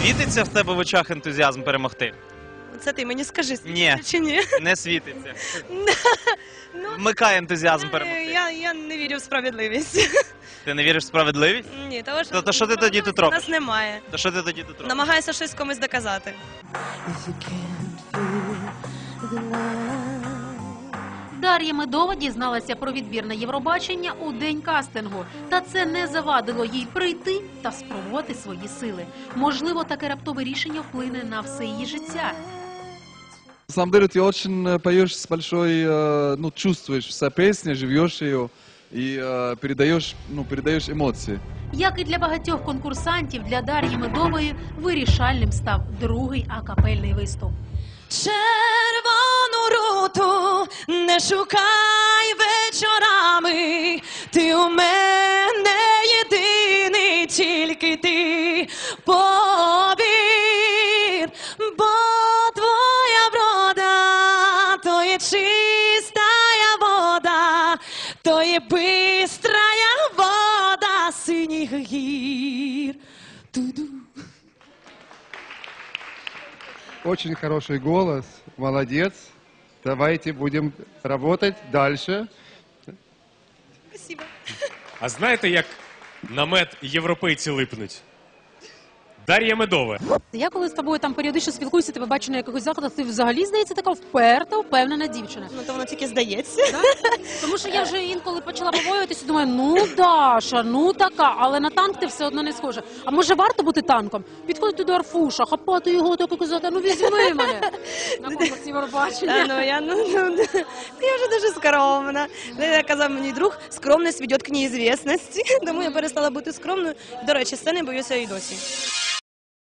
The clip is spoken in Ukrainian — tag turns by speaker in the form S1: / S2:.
S1: Світиться в тебе в очах ентузіазм перемогти?
S2: Це ти мені скажи,
S1: Ні.
S2: чи ні?
S1: Не світиться. Вмикай ентузіазм перемогти.
S2: Я не вірю в справедливість.
S1: Ти не віриш в справедливість?
S2: Ні, того що
S1: То що ти тоді тут робиш?
S2: нас немає.
S1: То що ти тоді тут робиш?
S2: Намагаюся щось комусь доказати.
S3: Дар'я Медова дізналася про відбір на Євробачення у день кастингу. Та це не завадило їй прийти та спробувати свої сили. Можливо, таке раптове рішення вплине на все її життя.
S4: На самом деле ты очень поешь с большой, ну, чувствуешь вся песня, живешь ее и передаешь эмоции.
S3: Як і для багатьох конкурсантів, для Дар'ї Медової вирішальним став другий акапельний виступ.
S2: Червону руту не шукай вечорами, ти у мене єдиний, тільки ти повір, бо твоя врода, то є чистая вода, то є бистрая вода синіх гір. Ту-ду.
S5: Очень хороший голос, молодец. Давайте будем работать дальше.
S2: Спасибо.
S6: А знаєте, як на мед європейці липнуть? Дар'я Медова.
S7: Я коли з тобою там періодично спілкуюся, тебе бачу на якихось заходах, ти взагалі, здається, така вперта, впевнена дівчина.
S2: Ну, то воно тільки здається.
S7: Тому що я вже інколи почала побоюватися, думаю, ну Даша, ну така, але на танк ти все одно не схожа. А може варто бути танком? Підходити до Арфуша, хапати його, так і казати, ну візьми мене на конкурс Євробачення.
S2: Я вже дуже скромна. Як казав мені друг, скромність веде к неізвісності. Тому я перестала бути скромною. До речі, сцени боюся і досі.